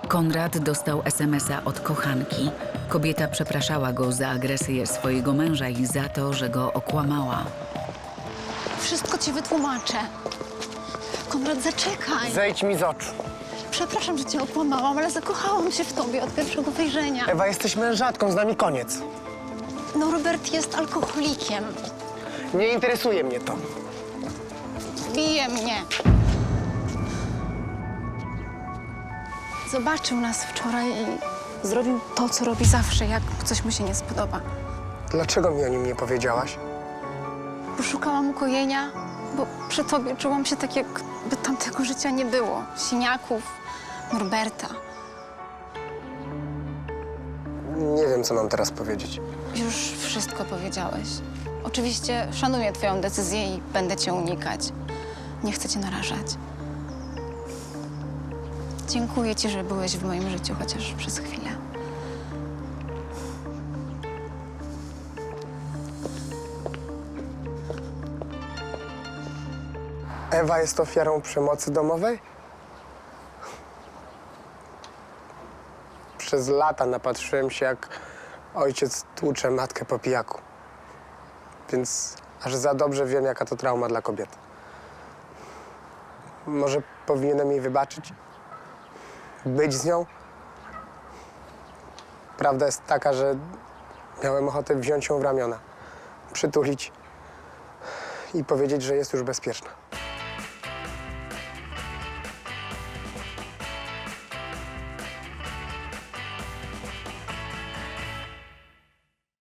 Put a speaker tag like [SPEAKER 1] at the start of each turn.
[SPEAKER 1] Konrad dostał SMS-a od kochanki. Kobieta przepraszała go za agresję swojego męża i za to, że go okłamała.
[SPEAKER 2] Wszystko ci wytłumaczę. Konrad, zaczekaj.
[SPEAKER 3] Zejdź mi z oczu.
[SPEAKER 2] Przepraszam, że cię okłamałam, ale zakochałam się w tobie od pierwszego wejrzenia.
[SPEAKER 3] Ewa, jesteś mężatką, z nami koniec.
[SPEAKER 2] No, Robert jest alkoholikiem.
[SPEAKER 3] Nie interesuje mnie to.
[SPEAKER 2] Bije mnie. Zobaczył nas wczoraj i zrobił to, co robi zawsze, jak coś mu się nie spodoba.
[SPEAKER 3] Dlaczego mi o nim nie powiedziałaś?
[SPEAKER 2] Poszukałam ukojenia, bo przy tobie czułam się tak, jakby tamtego życia nie było. Siniaków, Norberta.
[SPEAKER 3] Nie wiem, co mam teraz powiedzieć.
[SPEAKER 2] Już wszystko powiedziałeś. Oczywiście szanuję twoją decyzję i będę cię unikać. Nie chcę cię narażać. Dziękuję ci, że byłeś w moim życiu chociaż przez chwilę.
[SPEAKER 3] Ewa jest ofiarą przemocy domowej? Przez lata napatrzyłem się, jak ojciec tłucze matkę po pijaku. Więc aż za dobrze wiem, jaka to trauma dla kobiety. Może powinienem jej wybaczyć? Być z nią? Prawda jest taka, że miałem ochotę wziąć ją w ramiona, przytulić i powiedzieć, że jest już bezpieczna.